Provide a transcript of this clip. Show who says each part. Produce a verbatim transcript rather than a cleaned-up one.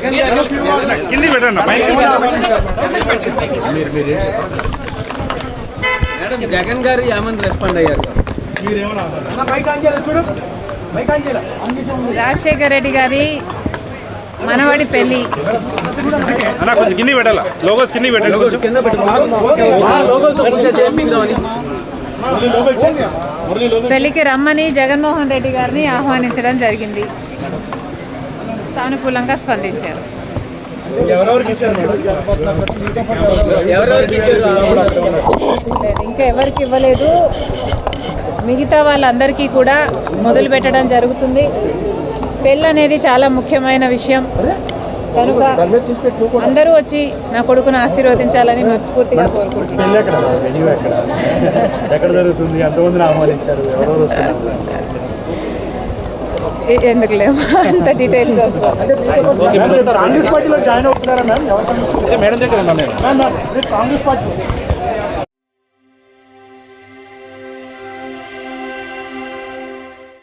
Speaker 1: కింది పెట్టండి
Speaker 2: మేడం జగన్ గారు ఏమని రెస్పాండ్ అయ్యారు?
Speaker 3: రాజశేఖర రెడ్డి గారి మనవడి పెళ్లి
Speaker 1: అన్న కొంచెం కింది పెట్టాలా లోగోస్ కింది పెట్టండి
Speaker 2: కింద
Speaker 3: పెళ్లికి రమ్మని జగన్మోహన్ రెడ్డి గారిని ఆహ్వానించడం జరిగింది. సానుకూలంగా స్పందించారు. ఇంకా ఎవరికి ఇవ్వలేదు. మిగతా వాళ్ళందరికీ కూడా మొదలు పెట్టడం జరుగుతుంది. పెళ్ళి అనేది చాలా ముఖ్యమైన విషయం కనుక అందరూ వచ్చి నా కొడుకును ఆశీర్వదించాలని మనస్ఫూర్తిగా కోరుకుంటున్నాను. ఎందుకు లేవు అంత డీటెయిల్స్
Speaker 4: కాంగ్రెస్ పార్టీలో జాయిన్ అవుతున్నారా మ్యామ్? కాంగ్రెస్ పార్టీ